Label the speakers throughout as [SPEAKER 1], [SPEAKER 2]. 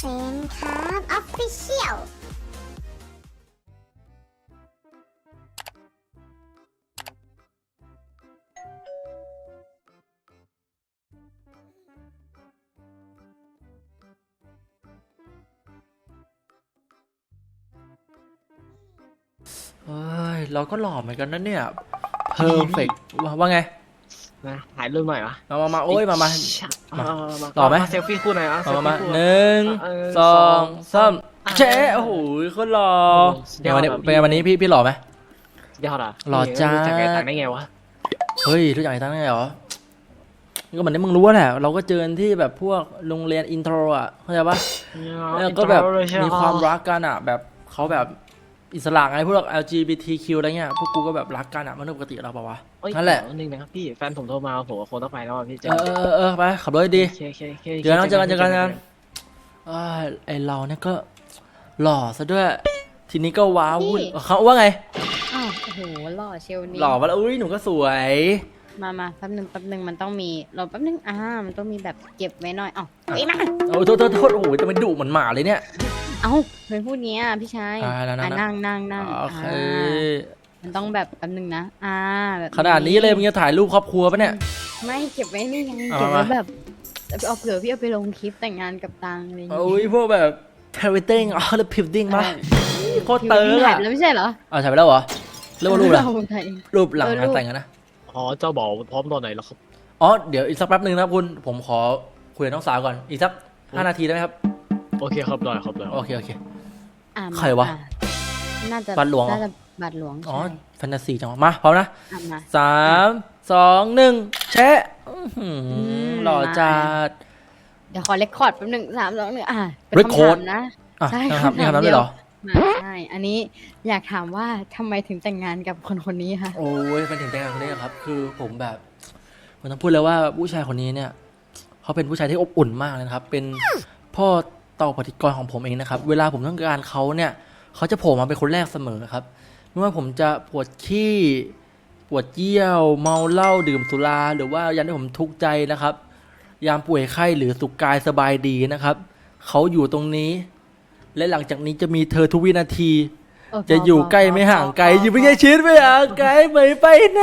[SPEAKER 1] นครับออฟฟิเชียล
[SPEAKER 2] เฮ้ยเราก็หล่อเหมือนกันนะเนี่ยเพอร์เฟกว่าไง
[SPEAKER 3] นะถ่ายรูปหน่อยวะ
[SPEAKER 2] มาโอ้ยมา
[SPEAKER 3] มา
[SPEAKER 2] หล่อไหม
[SPEAKER 3] เซลฟี่คู่หน่อยอ่ะเซล
[SPEAKER 2] มา
[SPEAKER 3] ฟี่คู่
[SPEAKER 2] หนึ่งสองสามเจ๊โอ้โหคนหล่อ
[SPEAKER 3] เดี๋ยว
[SPEAKER 2] เป็นวันนี้พี่หล่อไหม
[SPEAKER 3] ยอดอ่ะ
[SPEAKER 2] หล่อจ้า
[SPEAKER 3] จากไงต่างได้ไงวะ
[SPEAKER 2] เฮ้ยทุกอย่างไอ้ตั้งได้เหรอก็เหมือนที่มึงรู้แหละเราก็เจอที่แบบพวกโรงเรียนอินโทรอ่ะเข้าใจปะแล้วก็แบบมีความรักกันอ่ะแบบเขาแบบอิสระไงพวก LGBTQ อะไรเงี้ยพวกกูก็แบบรักกันอ่ะมันปกติเราเปล่าวะนั่นแหละ
[SPEAKER 3] นึงนะครับพี่แฟนผมโทรมาผมคงต้องไปแล้วพี่เจ
[SPEAKER 2] ไปขับรถดี เจอกันไอเราเนี่ยก็หล่อซะด้วยทีนี้ก็ว้าวุ่นเขาว่าไง
[SPEAKER 4] อ้าวโอ้โหหล่อเชลนี่
[SPEAKER 2] หล่อมาแล้วอุ้ยหนูก็สวย
[SPEAKER 4] มาแป๊บหนึ่งมันต้องมีรอแป๊บนึงมันต้องมีแบบเก็บไว้หน่อยอ้าวเอ้ยมา
[SPEAKER 2] โอ้โทษโอ้โหจะไปดุเหมือนหมาเลยเนี่ย
[SPEAKER 4] เอ้าเคยพูดเงี้ยพี่ชาย
[SPEAKER 2] แล้ว
[SPEAKER 4] นั่ง
[SPEAKER 2] โอเค
[SPEAKER 4] มันต้องแบบแป๊บนึงนะแบบ
[SPEAKER 2] ขนาดนี้เลยมึงจะถ่ายรูปครอบครัวปะเนี่ย
[SPEAKER 4] ไม่เก็บไว้นี่ไง
[SPEAKER 2] เอา
[SPEAKER 4] เก็บไว้
[SPEAKER 2] มา
[SPEAKER 4] แบบเอาเผื่อพี่เอาไปลงคลิปแต่งงานกับตังอะไรอย่าง
[SPEAKER 2] โอ้
[SPEAKER 4] เงี้
[SPEAKER 2] ยพวกแบบเทวิตติ้งแล้วพิวดิ้งมาโคตรเติร์
[SPEAKER 4] ถ่า
[SPEAKER 2] อะ
[SPEAKER 4] ยแล้วไม่ใช่เหรอ
[SPEAKER 2] ถ่ายไปแล้วเหรอเรียกว่ารูปอะไร
[SPEAKER 4] เราถ่ายเอง
[SPEAKER 2] รูปหลังงานแต่งกันนะ
[SPEAKER 3] อ๋อเจ้าบอกพร้อมตอนไหนแล้วครับ
[SPEAKER 2] อ๋อเดี๋ยวอีกสักแป๊บนึงนะครับคุณผมขอคุยกับน้องสาวก่อนอีกสัก5 นาทีได้ไหมครับ
[SPEAKER 3] โอเคครับได้ครับได้
[SPEAKER 2] โอเค
[SPEAKER 4] มา
[SPEAKER 2] ใครวะ
[SPEAKER 4] น่าจะ
[SPEAKER 2] บาทหลวงเหรอ
[SPEAKER 4] น่าจะบาทหลวง
[SPEAKER 2] อ๋อ
[SPEAKER 4] ใช่
[SPEAKER 2] แฟนตาซีจังวะมาพร้อมนะ
[SPEAKER 4] มา
[SPEAKER 2] 3 2 1แชะหล่อจัด
[SPEAKER 4] เดี๋ยวขอเรคคอร์ดแป๊บนึง3 2 1เป็น
[SPEAKER 2] record
[SPEAKER 4] คำถามนะ
[SPEAKER 2] อ่ะ
[SPEAKER 4] ใช่
[SPEAKER 2] นะครับนี่คำนั้นเลยเหรอ
[SPEAKER 4] ใช่ อันนี้อยากถามว่าทำไมถึงแต่งงานกับคนนี้คะ
[SPEAKER 2] โอ้ยเป็นถึงแต่งงานคนนี้ครับ คือผมแบบผมต้องพูดเลยว่าผู้ชายคนนี้เนี่ยเขาเป็นผู้ชายที่อบอุ่นมากเลยนะครับ เป็นพ่อเต่าปฏิกรณ์ของผมเองนะครับ เวลาผมต้องการเขาเนี่ยเขาจะโผล่มาเป็นคนแรกเสมอครับไม่ว่าผมจะปวดขี้ปวดเยี่ยวเมาเหล้าดื่มสุราหรือว่ายามที่ผมทุกข์ใจนะครับ ยามป่วยไข้หรือสุขกายสบายดีนะครับเขาอยู่ตรงนี้ และหลังจากนี้จะมีเธอทุกวินาที จะอยู่ใกล้ไม่ห่างไกลอยู่ไม่ใกล้ชิดไม่ห่างไกลไม่ไปไหน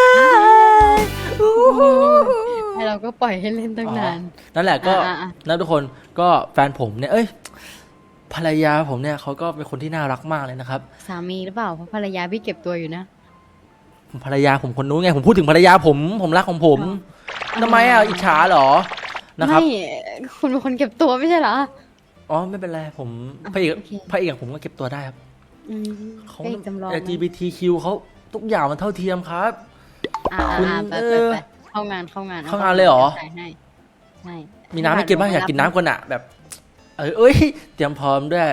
[SPEAKER 4] ให้เราก็ปล่อยให้เล่นตั้งนาน
[SPEAKER 2] นั่นแหละก็
[SPEAKER 4] อ่ะ
[SPEAKER 2] นะทุกคนก็แฟนผมเนี่ยภรรยาผมเนี่ยเขาก็เป็นคนที่น่ารักมากเลยนะครับ
[SPEAKER 4] สามีหรือเปล่า เพราะภรรยาพี่เก็บตัวอยู่นะ
[SPEAKER 2] ภรรยาผมคนนู้นไงผมพูดถึงภรรยาผมรักของผมทำไมอิจฉาเหรอนะครับ
[SPEAKER 4] ไม่คุณเป็นคนเก็บตัวไม่ใช่เหรอ
[SPEAKER 2] อ๋อไม่เป็นไรผมพระเอก
[SPEAKER 4] โอเค
[SPEAKER 2] พระเอกผมก็เก็บตัวได้ครับ
[SPEAKER 4] อืม
[SPEAKER 2] เขา
[SPEAKER 4] เป็นจำลองนะ
[SPEAKER 2] LGBTQ เขาทุกอย่างมันเท่าเทียมครับ คุณ
[SPEAKER 4] ไปเข้างาน
[SPEAKER 2] เข้างานเลยเหรอ
[SPEAKER 4] ใช่ใช่
[SPEAKER 2] มีน้ำให้กินบ้างอยากกินน้ำก่อนอะแบบเอ้ยเตรียมพร้อมด้วย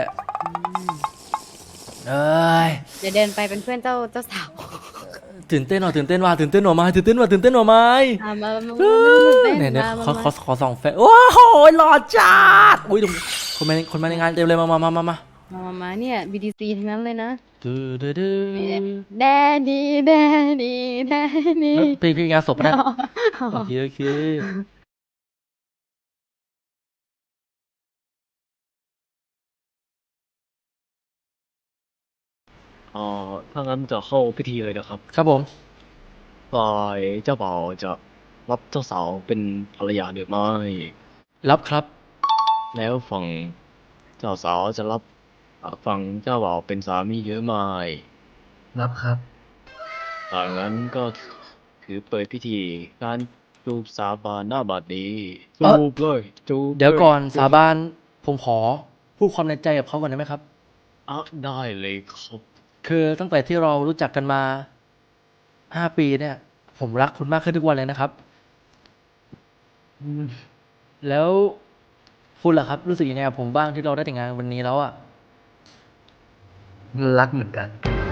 [SPEAKER 2] เอ้ย
[SPEAKER 4] เดี๋ยวเดินไปเป็นเพื่อนเจ้าสาว
[SPEAKER 2] ตื่นเต้นหน่อยตื่นเต้นว่ะตื่นเต้นหน่อยไหมตื่นเต้นว่ะตื่นเต้นหน่อยไหม
[SPEAKER 4] มา
[SPEAKER 2] เนี่ยขอส่องแฟนโอ้โหหล่อจัดอุ้ยดูคนมาในงานเต็มเลยมา
[SPEAKER 4] เนี่ย BTC ทั้งนั้นเลยนะ
[SPEAKER 2] ดื้อ
[SPEAKER 4] แดนี่
[SPEAKER 2] พี่งานศพนะโอเค
[SPEAKER 3] อ๋อถ้างั้นจะเข้าพิธีเลยนะครับ
[SPEAKER 2] ครับผม
[SPEAKER 3] ฝ่ายเจ้าบ่าวจะรับเจ้าสาวเป็นภรรยาหรือไม่
[SPEAKER 2] รับครับ
[SPEAKER 3] แล้วฝั่งเจ้าสาวจะรับฝั่งเจ้าบ่าวเป็นสามีหรือไม่
[SPEAKER 2] รับครับ
[SPEAKER 3] ถ้างั้นก็ถือเปิดพิธีการจูบสาบานหน้าบัดนี้จูบเลยจูบ
[SPEAKER 2] เดี๋ยวก่อน
[SPEAKER 3] ล
[SPEAKER 2] สาบานผมขอพูดความในใจกับเขาก่อนได้ไหมครับ
[SPEAKER 3] ได้เลยครับ
[SPEAKER 2] คือตั้งแต่ที่เรารู้จักกันมา5 ปีเนี่ย ผมรักคุณมากขึ้นทุกวันเลยนะครับ แล้วคุณล่ะครับ รู้สึกยังไงกับผมบ้างที่เราได้แต่งงานวันนี้แล้วอ่ะ
[SPEAKER 5] รักเหมือนกัน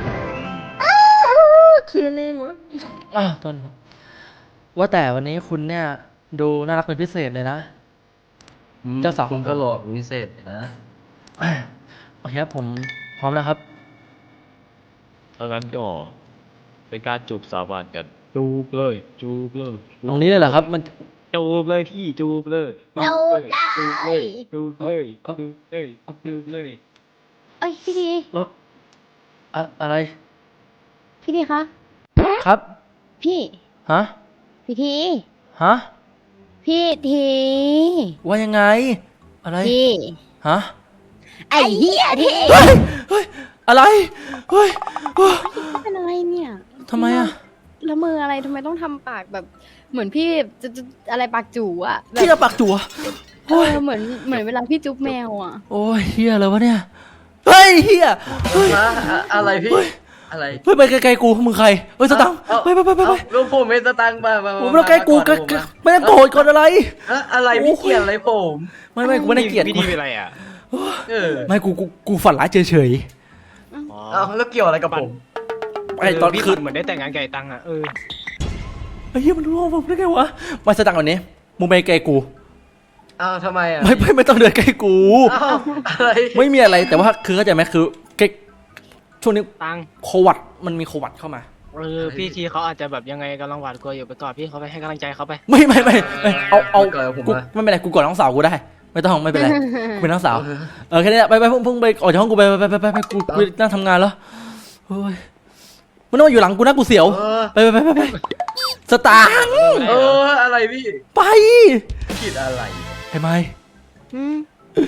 [SPEAKER 2] คือเล่นวะต้นว่าแต่วันนี้คุณเนี่ย ดูน่ารักเป็นพิเศษเลยนะ เจ้าสาว
[SPEAKER 5] คุณก็หล่อพิเศษนะ
[SPEAKER 2] โอเคครับผมพร้อมแล้วครับ
[SPEAKER 3] ถ้างั้นก็เป็นการจูบสาบานกันจูบเลยจูบเลย
[SPEAKER 2] ตรงนี้เลยเหรอครับ มัน
[SPEAKER 3] จูบเลยพี่จูบเลย
[SPEAKER 1] เราได้
[SPEAKER 3] จูบเลยจูบเลยจูบเลยจูบเลย
[SPEAKER 4] เอ้ยพี่ที
[SPEAKER 2] แล้วอะไร
[SPEAKER 4] พี่ทีคะ
[SPEAKER 2] ครับ
[SPEAKER 4] พี่
[SPEAKER 2] ฮะ
[SPEAKER 4] พี่ที
[SPEAKER 2] ฮะ
[SPEAKER 4] พี่ที
[SPEAKER 2] ว่ายังไง อะไร
[SPEAKER 4] พี่
[SPEAKER 2] ฮะ
[SPEAKER 4] ไอ้เหี้ยที
[SPEAKER 2] เฮ้ย เฮ้ย อะไร เฮ้ย
[SPEAKER 4] เป็นอะไรเนี่ย
[SPEAKER 2] ทำไมอะ
[SPEAKER 4] ละเมออะไรทำไมต้องทำปากแบบเหมือนพี่จะอะไรปากจู่อะแบบ
[SPEAKER 2] ที่จะปากจั่ว
[SPEAKER 4] เหมือนเวลาพี่จุ๊บแมวอะ
[SPEAKER 2] โอ้ยเฮียอะไรวะเนี่ย เฮ้ยเฮียเฮ้ย
[SPEAKER 5] อะไรพี่อะไร
[SPEAKER 2] เฮ้ยไปไกลๆกูมึงใครเฮ้ยสตังค์ไป
[SPEAKER 5] ลูกผมไม่สตังค์มา
[SPEAKER 2] โอ้ไม่ต้องใกล้กูไม่ต้องโกรธก่อนอะไร
[SPEAKER 5] อะไรพี่เกลียดอะไรผม
[SPEAKER 2] ไม่กูไม่ได้เกลียด
[SPEAKER 3] พี่ทีเป็นไรอ่ะ
[SPEAKER 5] ไม่
[SPEAKER 2] กูฝันร้ายเฉย
[SPEAKER 5] เอาแล้วเกี่ยวอะไรกับผม
[SPEAKER 2] ๆไอ้ตอน
[SPEAKER 3] พี่
[SPEAKER 2] คืน
[SPEAKER 3] เหมือนได้แต่งงานไก่ตังอ่ะ
[SPEAKER 2] ไอ้เหี้ยมันรู้ว่าผมได้ไงวะมาสตังค์วันนี้มึงไปไกลกู
[SPEAKER 5] อ้าวทำไมอ่ะ
[SPEAKER 2] ไม่ต้องเดินใกล้กู
[SPEAKER 5] อ้าวอะไร
[SPEAKER 2] ไม่มีอะไรแต่ว่าคือเข้าใจไหมคือช่วงนี้
[SPEAKER 3] ตัง
[SPEAKER 2] โควิดมันมีโควิดเข้ามา
[SPEAKER 3] พี่ทีเขาอาจจะแบบยังไงกำลังหวาดกลัวอยู่ไปกอดพี่เขาไปให้กำลังใจเขาไป
[SPEAKER 2] ไม่เอา
[SPEAKER 5] เกิดผม
[SPEAKER 2] กู
[SPEAKER 5] มา
[SPEAKER 2] ไม่เป็นไรกูกอดน้องสาวกูได้ ไม่ต้องไม่เป็นไรกูเป็นน้องสาวแค่นี้ไปเพิ่งไปออกจากห้องกูไปกูนั่งทำงานแล้วเฮ้ยมันต้องมาอยู่หลังกูนะกูเสียวไปสตางค์
[SPEAKER 5] อะไรพี่
[SPEAKER 2] ไป
[SPEAKER 5] คิดอะไร
[SPEAKER 2] เห็นไหม
[SPEAKER 4] อืม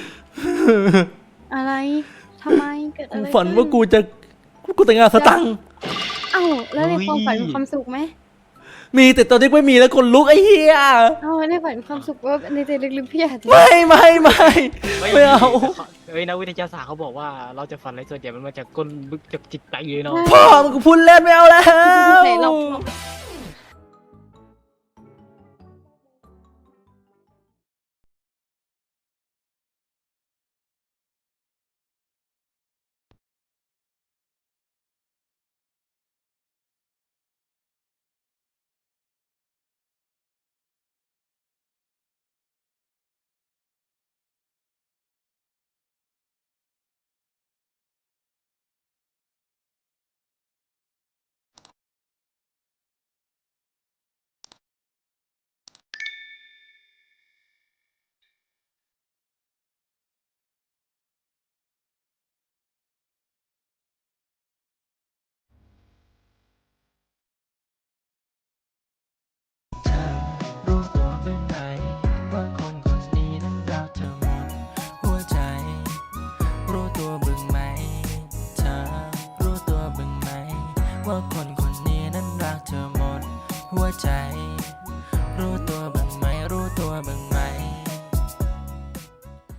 [SPEAKER 4] อะไรทำไมเกิดอะ
[SPEAKER 2] กู
[SPEAKER 4] ไร
[SPEAKER 2] ฝันว่า
[SPEAKER 4] ขึ้
[SPEAKER 2] กูแต่งงานสตังค์
[SPEAKER 4] เอ้าแล้วในความฝันมีความสุขไหม
[SPEAKER 2] มีแต่ตอนนี้ไม่มีแล้วคนลุกไอ้เหี้ย
[SPEAKER 4] เอ้าในฝันมีความสุขว่าในใจลึกๆพี่อาจจะ
[SPEAKER 2] ไม่เอา
[SPEAKER 3] นักวิทยาศาสตร์เขาบอกว่าเราจะฝันอะไรส่วนใหญ่มันมาจากก้นบึกจากจิตใจเลยเนาะ
[SPEAKER 2] พ่อมึงกูพูดเล่นไม่เอาแล้ว
[SPEAKER 4] ไหนลอง